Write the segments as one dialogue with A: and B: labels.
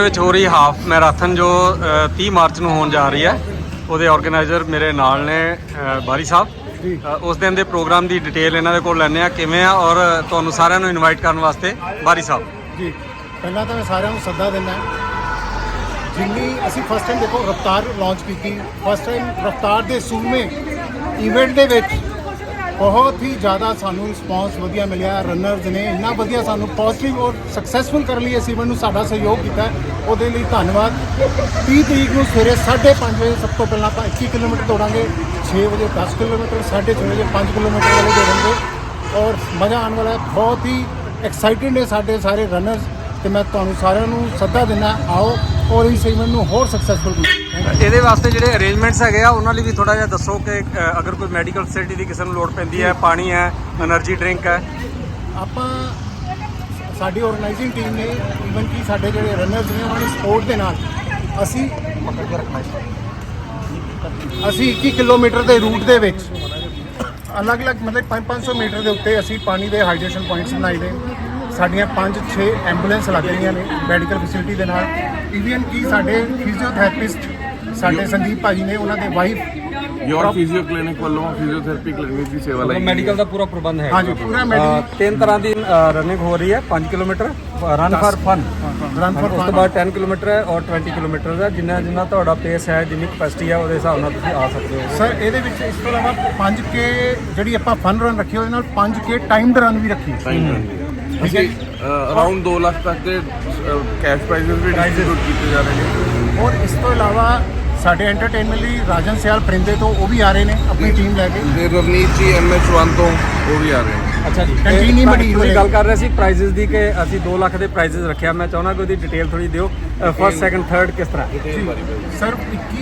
A: ਵਿੱਚ ਹੋ ਰਹੀ ਹਾਫ ਮੈਰਾਥਨ ਜੋ 30 ਮਾਰਚ ਨੂੰ ਹੋਣ ਜਾ ਰਹੀ ਹੈ, ਉਹਦੇ ਆਰਗੇਨਾਈਜ਼ਰ ਮੇਰੇ ਨਾਲ ਨੇ ਬਾਰੀ ਸਾਹਿਬ। ਉਸ ਦਿਨ ਦੇ ਪ੍ਰੋਗਰਾਮ ਦੀ ਡਿਟੇਲ ਇਹਨਾਂ ਦੇ ਕੋਲ ਲੈਣੇ ਆ ਕਿਵੇਂ ਆ, ਔਰ ਤੁਹਾਨੂੰ ਸਾਰਿਆਂ ਨੂੰ ਇਨਵਾਈਟ ਕਰਨ ਵਾਸਤੇ ਬਾਰੀ ਸਾਹਿਬ
B: ਜੀ। ਪਹਿਲਾਂ ਤਾਂ ਮੈਂ ਸਾਰਿਆਂ ਨੂੰ ਸੱਦਾ ਦਿੰਦਾ, ਜਿੰਨੀ ਅਸੀਂ ਫਸਟ ਟਾਈਮ ਦੇਖੋ ਰਫਤਾਰ ਲਾਂਚ ਕੀਤੀ, ਫਸਟ ਟਾਈਮ ਰਫਤਾਰ ਦੇ ਸੂਮੇ ਇਵੈਂਟ ਦੇ ਵਿੱਚ ਬਹੁਤ ਹੀ ਜ਼ਿਆਦਾ ਸਾਨੂੰ ਰਿਸਪੌਂਸ ਵਧੀਆ ਮਿਲਿਆ। ਰਨਰਸ ਨੇ ਇੰਨਾ ਵਧੀਆ ਸਾਨੂੰ ਪੋਜ਼ਿਟਿਵ ਔਰ ਸਕਸੈਸਫੁਲ ਕਰਨ ਲਈ ਇਸ ਇਵੈਂਟ ਨੂੰ ਸਾਡਾ ਸਹਿਯੋਗ ਕੀਤਾ, ਉਹਦੇ ਲਈ ਧੰਨਵਾਦ। 30 ਤਰੀਕ ਨੂੰ ਸਵੇਰੇ 5:30 ਵਜੇ ਸਭ ਤੋਂ ਪਹਿਲਾਂ ਆਪਾਂ 21 ਕਿਲੋਮੀਟਰ ਦੌੜਾਂਗੇ, 6 ਵਜੇ 10 ਕਿਲੋਮੀਟਰ, 6:30 ਵਜੇ 5 ਕਿਲੋਮੀਟਰ ਵਾਲੇ ਦੌੜਾਂਗੇ ਔਰ ਮਜ਼ਾ ਆਉਣ ਵਾਲਾ। ਬਹੁਤ ਹੀ ਐਕਸਾਈਟਿਡ ਨੇ ਸਾਡੇ ਸਾਰੇ ਰਨਰਸ ਤੇ ਮੈਂ ਤੁਹਾਨੂੰ ਸਾਰਿਆਂ ਨੂੰ ਸੱਦਾ ਦਿੰਦਾ, ਆਓ ਔਰ ਇਸ ਇਵੈਂਟ ਨੂੰ ਹੋਰ ਸਕਸੈਸਫੁਲ ਕਰੋ।
A: ਇਹਦੇ ਵਾਸਤੇ ਜਿਹੜੇ ਅਰੇਂਜਮੈਂਟਸ ਹੈਗੇ ਆ ਉਹਨਾਂ ਲਈ ਵੀ ਥੋੜਾ ਜਿਹਾ ਦੱਸੋ ਕਿ ਅਗਰ ਕੋਈ ਮੈਡੀਕਲ ਫੈਸਿਲਿਟੀ ਦੀ ਕਿਸੇ ਨੂੰ ਲੋੜ ਪੈਂਦੀ ਹੈ, ਪਾਣੀ ਹੈ, એનર્ਜੀ ਡਰਿੰਕ ਹੈ। ਆਪਾਂ
B: ਸਾਡੀ ਆਰਗੇਨਾਈਜ਼ਿੰਗ ਟੀਮ ਨੇ ਈਵਨ ਕਿ ਸਾਡੇ ਜਿਹੜੇ ਰਨਰਸ ਨੇ ਉਹਨਾਂ ਦੀ ਸਪੋਰਟ ਦੇ ਨਾਲ ਅਸੀਂ 21 ਕਿਲੋਮੀਟਰ ਦੇ ਰੂਟ ਦੇ ਵਿੱਚ ਅਲੱਗ-ਅਲੱਗ ਮਤਲਬ 500 ਮੀਟਰ ਦੇ ਉੱਤੇ ਅਸੀਂ ਪਾਣੀ ਦੇ ਹਾਈਡਰੇਸ਼ਨ ਪੁਆਇੰਟਸ ਬਣਾਏ ਨੇ। ਸਾਡੀਆਂ 5-6 ਐਂਬੂਲੈਂਸ ਲੱਗ ਰਹੀਆਂ ਨੇ ਮੈਡੀਕਲ ਫੈਸਿਲਿਟੀ ਦੇ ਨਾਲ। ਈਵਨ ਕਿ ਸਾਡੇ ਫਿਜ਼ੀਓਥੈਰੇਪਿਸਟ ਸਾਡੇ ਸੰਦੀਪ ਭਾਜੀ ਨੇ, ਉਹਨਾਂ ਦੇ ਵਾਈਫ
C: ਯੋਰ ਫਿਜ਼ੀਓ ਕਲੀਨਿਕ ਵੱਲੋਂ ਫਿਜ਼ੀਓਥੈਰੇਪੀ ਕਲੀਨਿਕ ਦੀ ਸੇਵਾ ਲਈ
A: ਮੈਡੀਕਲ ਦਾ ਪੂਰਾ ਪ੍ਰਬੰਧ ਹੈ।
B: ਹਾਂਜੀ, ਪੂਰਾ ਮੈਡੀਕਲ।
A: 3 ਤਰ੍ਹਾਂ ਦੀ ਰਨਿੰਗ ਹੋ ਰਹੀ ਹੈ, 5 ਕਿਲੋਮੀਟਰ ਰਨ ਫॉर ਫਨ, ਉਸ ਤੋਂ ਬਾਅਦ 10 ਕਿਲੋਮੀਟਰ ਹੈ ਔਰ 20 ਕਿਲੋਮੀਟਰ ਹੈ। ਜਿੰਨਾ ਤੁਹਾਡਾ ਪੇਸ ਹੈ, ਜਿੰਨੀ ਕਪੈਸਿਟੀ ਹੈ, ਉਹਦੇ ਹਿਸਾਬ ਨਾਲ ਤੁਸੀਂ ਆ ਸਕਦੇ ਹੋ।
B: ਸਰ ਇਹਦੇ ਵਿੱਚ ਇਸ ਤੋਂ ਇਲਾਵਾ 5K ਜਿਹੜੀ ਆਪਾਂ ਫਨ ਰਨ ਰੱਖੀ, ਉਹਦੇ ਨਾਲ 5K ਟਾਈਮਡ ਰਨ ਵੀ ਰੱਖੀ।
C: ਅਸੀਂ ਅਰਾਊਂਡ 2 ਲੱਖ ਤੱਕ ਦੇ ਕੈਸ਼ ਪ੍ਰਾਈਜ਼ਸ ਵੀ ਡਿਸਟ੍ਰੀਬਿਊਟ ਕੀਤੇ ਜਾ ਰਹੇ ਨੇ।
B: ਔਰ ਇਸ ਤੋਂ ਇਲਾਵਾ ਸਾਡੇ ਐਂਟਰਟੇਨਮੈਂਟ ਲਈ ਰਾਜਨ ਸਿਆਲ ਪਰਿੰਦੇ ਤੋਂ ਉਹ ਵੀ ਆ ਰਹੇ ਨੇ ਆਪਣੀ ਟੀਮ ਲੈ ਕੇ,
C: ਤੇ ਰਵਨੀਤ ਜੀ MH1 ਤੋਂ ਉਹ ਵੀ ਆ ਰਹੇ ਨੇ।
A: ਅੱਛਾ ਜੀ,
B: ਕੰਟੀਨ ਹੀ ਬੜੀ
A: ਤੁਸੀਂ ਗੱਲ ਕਰ ਰਹੇ ਸੀ ਪ੍ਰਾਈਜ਼ਸ ਦੀ ਕਿ ਅਸੀਂ 2 ਲੱਖ ਦੇ ਪ੍ਰਾਈਜ਼ਸ ਰੱਖਿਆ। ਮੈਂ ਚਾਹੁੰਦਾ ਕਿ ਉਹਦੀ ਡਿਟੇਲ ਥੋੜੀ ਦਿਓ, ਫਸਟ ਸੈਕੰਡ ਥਰਡ ਕਿਸ ਤਰ੍ਹਾਂ।
B: ਸਰ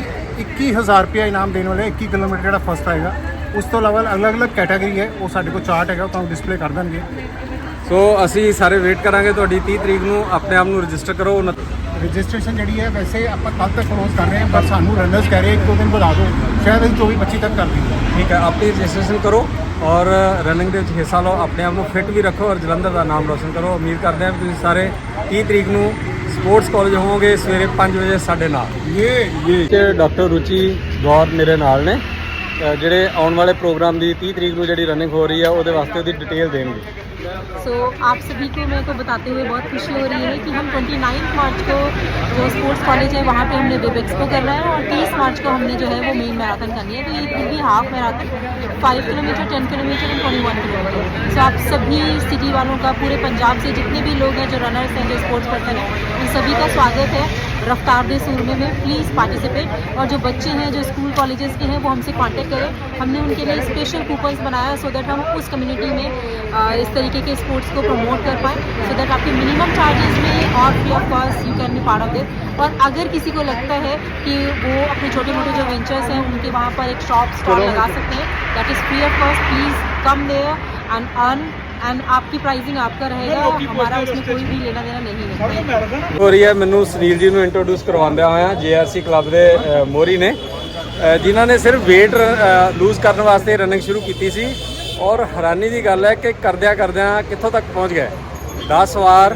B: 21,000 ਰੁਪਇਆ ਇਨਾਮ ਦੇਣ ਵਾਲੇ 21 ਕਿਲੋਮੀਟਰ ਜਿਹੜਾ ਫਸਟ ਆਏਗਾ। ਉਸ ਤੋਂ ਇਲਾਵਾ ਅਲੱਗ-ਅਲੱਗ ਕੈਟਾਗਰੀ ਹੈ, ਉਹ ਸਾਡੇ ਕੋਲ ਚਾਰਟ ਹੈਗਾ, ਉਹ ਤੁਹਾਨੂੰ ਡਿਸਪਲੇ ਕਰ ਦੇਣਗੇ।
A: ਸੋ ਅਸੀਂ ਸਾਰੇ ਵੇਟ ਕਰਾਂਗੇ ਤੁਹਾਡੀ 30 ਤਰੀਕ ਨੂੰ। ਆਪਣੇ ਆਪ ਨੂੰ ਰਜਿਸਟਰ ਕਰੋ।
B: ਰਜਿਸਟ੍ਰੇਸ਼ਨ ਜਿਹੜੀ ਹੈ ਵੈਸੇ ਆਪਾਂ ਕੱਲ੍ਹ ਤੱਕ ਕਲੋਜ਼ ਕਰ ਰਹੇ ਹਾਂ, ਪਰ ਸਾਨੂੰ ਰਨਰਸ ਕਹਿ ਰਹੇ 1-2 ਦਿਨ ਵਧਾ ਦਿਓ, ਸ਼ਾਇਦ ਅਸੀਂ 24-25 ਤੱਕ ਕਰ ਦਈਏ।
A: ਠੀਕ ਹੈ, ਆਪਣੀ ਰਜਿਸਟ੍ਰੇਸ਼ਨ ਕਰੋ ਔਰ ਰਨਿੰਗ ਦੇ ਵਿੱਚ ਹਿੱਸਾ ਲਓ, ਆਪਣੇ ਆਪ ਨੂੰ ਫਿੱਟ ਵੀ ਰੱਖੋ ਔਰ ਜਲੰਧਰ ਦਾ ਨਾਮ ਰੋਸ਼ਨ ਕਰੋ। ਉਮੀਦ ਕਰਦੇ ਹਾਂ ਕਿ ਤੁਸੀਂ ਸਾਰੇ 30 ਤਰੀਕ ਨੂੰ ਸਪੋਰਟਸ ਕਾਲਜ ਹੋਵੋਗੇ ਸਵੇਰੇ 5 ਵਜੇ ਸਾਡੇ ਨਾਲ। ਇਹ ਡਾਕਟਰ ਰੁਚੀ ਗੌਰ ਮੇਰੇ ਨਾਲ ਨੇ, ਜਿਹੜੇ ਆਉਣ ਵਾਲੇ ਪ੍ਰੋਗਰਾਮ ਦੀ 30 ਤਰੀਕ ਨੂੰ ਜਿਹੜੀ ਰਨਿੰਗ ਹੋ ਰਹੀ ਹੈ ਉਹਦੇ ਵਾਸਤੇ ਉਹਦੀ ਡਿਟੇਲ ਦੇਣਗੇ।
D: सो आप सभी को मेरे को बताते हुए बहुत खुशी हो रही है कि हम 29 मार्च को जो स्पोर्ट्स कॉलेज है वहाँ पे हमने वेब एक्सपो करना है और 30 मार्च को हमने जो है वो मेन मैराथन करनी है। तो ये पूरी half marathon 5 kilometre, 10 kilometre and 21 kilometre. So आप सभी सिटी वालों का, पूरे पंजाब से जितने भी लोग हैं जो रनर्स हैं, जो स्पोर्ट्स पर्सन हैं, उन सभी का स्वागत है रफ्तार दे सूरमे में। Please participate. और जो बच्चे हैं जो स्कूल कॉलेजेस के हैं वो हमसे कांटेक्ट करें। हमने उनके लिए स्पेशल कूपन्स बनाया सो दैट हम उस कम्युनिटी में इस तरीके के स्पोर्ट्स को प्रमोट कर पाएँ, सो दैट आपके मिनिमम चार्जेस में और free of cost you can be part of this. और अगर किसी को लगता है कि वो अपने छोटे मोटे जो वेंचर्स हैं उनके वहाँ पर एक शॉप स्टॉल लगा सकते हैं, that is free of cost. Please come there and earn, and आपकी प्राइसिंग आपका रहेगा, हमारा उसमें कोई भी लेना देना नहीं है।
A: ਹੋ ਰਹੀ ਹੈ। ਮੈਨੂੰ ਸੁਨੀਲ ਜੀ ਨੂੰ ਇੰਟਰੋਡਿਊਸ ਕਰਵਾਉਂਦਿਆਂ ਹੋਇਆ JRC ਕਲੱਬ ਦੇ ਮੋਰੀ ਨੇ, ਜਿਨ੍ਹਾਂ ਨੇ ਸਿਰਫ weight ਲੂਜ਼ ਕਰਨ ਵਾਸਤੇ ਰਨਿੰਗ ਸ਼ੁਰੂ ਕੀਤੀ ਸੀ ਔਰ ਹੈਰਾਨੀ ਦੀ ਗੱਲ ਹੈ ਕਿ ਕਰਦਿਆਂ ਕਿੱਥੋਂ ਤੱਕ ਪਹੁੰਚ ਗਏ। 10 ਵਾਰ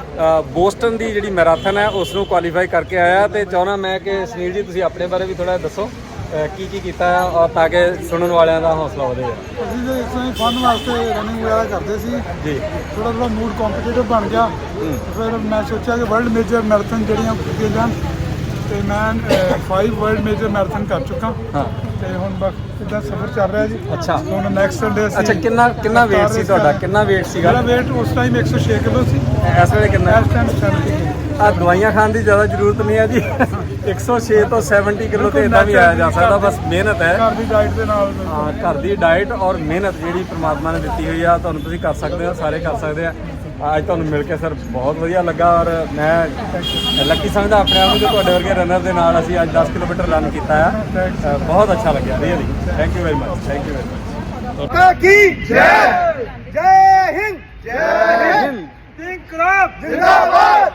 A: ਬੋਸਟਨ ਦੀ ਜਿਹੜੀ ਮੈਰਾਥਨ ਹੈ ਉਸ ਨੂੰ ਕੁਆਲੀਫਾਈ ਕਰਕੇ ਆਇਆ। ਤੇ ਚਾਹੁੰਦਾ ਮੈਂ ਕਿ ਸੁਨੀਲ ਜੀ ਤੁਸੀਂ ਆਪਣੇ ਬਾਰੇ ਵੀ ਥੋੜਾ ਦੱਸੋ ਕੀ ਕੀਤਾ ਹੈ ਔਰ ਤਾਂ ਕਿ ਸੁਣਨ ਵਾਲਿਆਂ ਦਾ ਹੌਸਲਾ ਵਧੇ।
E: ਅਸੀਂ ਤਾਂ ਇਸ ਤਰ੍ਹਾਂ ਹੀ ਫਨ ਵਾਸਤੇ ਰਨਿੰਗ ਵਗੈਰਾ ਕਰਦੇ ਸੀ
A: ਜੀ।
E: ਥੋੜਾ ਮੂਡ ਕੰਪੀਟੀਟਿਵ ਬਣ ਗਿਆ, ਫਿਰ ਮੈਂ ਸੋਚਿਆ ਕਿ ਵਰਲਡ ਮੇਜਰ ਮੈਰਾਥਨ ਜਿਹੜੀਆਂ ਕੀਤੀਆਂ ਜਾਣ, ਤੇ ਮੈਂ 5 ਵਰਲਡ ਮੇਜਰ ਮੈਰਾਥਨ ਕਰ ਚੁੱਕਾ।
A: ਹਾਂ,
E: ਤੇ ਹੁਣ ਬਸ ਇੱਦਾਂ ਸਫ਼ਰ ਚੱਲ ਰਿਹਾ ਜੀ।
A: ਅੱਛਾ,
E: ਹੁਣ ਨੈਕਸਟ ਸੰਡੇ ਅਸੀਂ।
A: ਅੱਛਾ, ਕਿੰਨਾ weight ਸੀ ਤੁਹਾਡਾ? ਕਿੰਨਾ weight ਸੀਗਾ?
E: ਮੇਰਾ weight ਉਸ ਟਾਈਮ 106 ਕਿਲੋ ਸੀ।
A: ਇਸ ਵੇਲੇ ਕਿੰਨਾ?
E: ਇਸ ਟਾਈਮ 70 ਕਿਲੋ।
A: ਆ ਦਵਾਈਆਂ ਖਾਣ ਦੀ ਜ਼ਿਆਦਾ ਜ਼ਰੂਰਤ ਨਹੀਂ ਹੈ ਜੀ। 106 ਤੋਂ 70 ਕਿਲੋ ਤੇ ਇਦਾਂ ਵੀ ਆਇਆ ਜਾ ਸਕਦਾ, ਬਸ ਮਿਹਨਤ ਹੈ।
E: ਘਰ ਦੀ ਡਾਈਟ ਦੇ ਨਾਲ।
A: ਹਾਂ, ਘਰ ਦੀ ਡਾਈਟ ਔਰ ਮਿਹਨਤ ਜਿਹੜੀ ਪ੍ਰਮਾਤਮਾ ਨੇ ਦਿੱਤੀ ਹੋਈ ਆ, ਤੁਹਾਨੂੰ ਤੁਸੀਂ ਕਰ ਸਕਦੇ ਹੋ, ਸਾਰੇ ਕਰ ਸਕਦੇ ਆ। ਅੱਜ ਤੁਹਾਨੂੰ ਮਿਲ ਕੇ ਸਰ ਬਹੁਤ ਵਧੀਆ ਲੱਗਾ ਔਰ ਮੈਂ ਲੱਕੀ ਸਮਝਦਾ ਆਪਣੇ ਆਪ ਨੂੰ ਕਿ ਤੁਹਾਡੇ ਵਰਗੇ ਰਨਰ ਦੇ ਨਾਲ ਅਸੀਂ ਅੱਜ 10 ਕਿਲੋਮੀਟਰ ਰਨ ਕੀਤਾ ਆ। ਬਹੁਤ ਅੱਛਾ ਲੱਗਿਆ, really. Thank you very much. Thank you very much.
E: ਕੀ ਜੈ ਜੈ ਹਿੰਦ, ਜੈ ਹਿੰਦ। ਇਨਕਲਾਬ ਜ਼ਿੰਦਾਬਾਦ।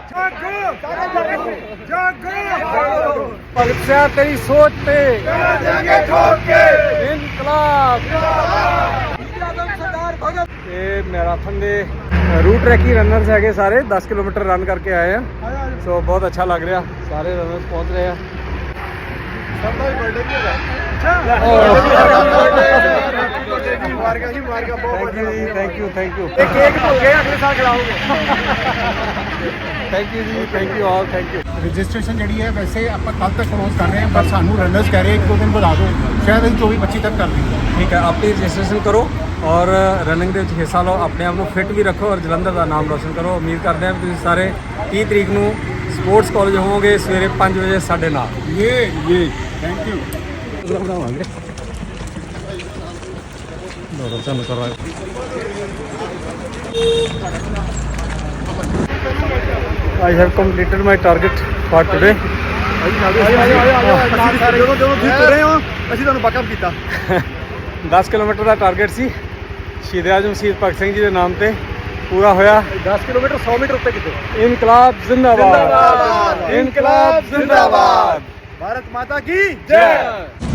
E: ਜਾਗੋ
A: ਭਗਤ ਸਿੰਘ ਤੇਰੀ ਸੋਚ ਤੇ
E: ਜਾਗੇ ਠੋਕ ਕੇ
A: ਇਨਕਲਾਬ
E: ਸਰਦਾਰ ਭਗਤ।
A: ਇਹ ਮੈਰਾਥਨ ਦੇ रूट ट्रैकी रनर्स है सारे 10 किलोमीटर रन करके आए हैं। ਸੋ ਬਹੁਤ ਅੱਛਾ ਲੱਗ ਰਿਹਾ, ਸਾਰੇ ਰਨਰਸ ਪਹੁੰਚ ਰਹੇ ਆ।
B: ਸਭ ਦਾ ਬਰਥਡੇ ਵੀ ਹੈਗਾ।
A: ਥੈਂਕ ਯੂ
B: ਇਹ ਕੇਕ ਭੁੱਲ ਗਏ, ਅਗਲੇ ਸਾਲ ਖਿਲਾਓਗੇ।
A: ਥੈਂਕ ਯੂ ਜੀ, thank you all, thank you.
B: Registration ਜਿਹੜੀ ਹੈ ਵੈਸੇ ਆਪਾਂ ਕੱਲ ਤੱਕ ਕਲੋਜ਼ ਕਰ ਰਹੇ ਹਾਂ, ਪਰ ਸਾਨੂੰ ਰਨਰਸ ਕਹਿ ਰਹੇ ਇੱਕ ਦੋ ਦਿਨ ਵਧਾ ਦਿਓ, ਸ਼ਾਇਦ ਅਸੀਂ 24-25 ਤੱਕ ਕਰ ਦਈਏ।
A: ਠੀਕ ਹੈ, ਆਪਣੀ ਰਜਿਸਟ੍ਰੇਸ਼ਨ ਕਰੋ ਔਰ ਰਨਿੰਗ ਦੇ ਵਿੱਚ ਹਿੱਸਾ ਲਓ, ਆਪਣੇ ਆਪ ਨੂੰ ਫਿੱਟ ਵੀ ਰੱਖੋ ਔਰ ਜਲੰਧਰ ਦਾ ਨਾਮ ਰੋਸ਼ਨ ਕਰੋ। ਉਮੀਦ ਕਰਦੇ ਹਾਂ ਵੀ ਤੁਸੀਂ ਸਾਰੇ 30 ਤਰੀਕ ਨੂੰ ਸਪੋਰਟਸ ਕਾਲਜ ਹੋਵੋਗੇ ਸਵੇਰੇ 5 ਵਜੇ ਸਾਡੇ ਨਾਲ।
B: ਇਹ ਥੈਂਕ ਯੂ।
A: ਬਣਾਵਾਂਗੇ ਦੋ ਤੁਹਾਨੂੰ ਕਰਾਂਗੇ। I have completed my target for today.
B: ਅਸੀਂ ਤੁਹਾਨੂੰ ਬੈਕਅਪ ਕੀਤਾ।
A: 10 ਕਿਲੋਮੀਟਰ ਦਾ ਟਾਰਗੇਟ ਸੀ, ਸ਼ਹੀਦ ਆਜ਼ਮ ਸ਼ਹੀਦ ਭਗਤ ਸਿੰਘ ਜੀ ਦੇ ਨਾਮ ਤੇ ਪੂਰਾ ਹੋਇਆ।
B: 10 ਕਿਲੋਮੀਟਰ 100 ਮੀਟਰ ਉੱਤੇ ਕਿਤੇ।
A: ਇਨਕਲਾਬ ਜ਼ਿੰਦਾਬਾਦ, ਇਨਕਲਾਬ ਜ਼ਿੰਦਾਬਾਦ,
B: ਭਾਰਤ ਮਾਤਾ ਕੀ ਜੈ।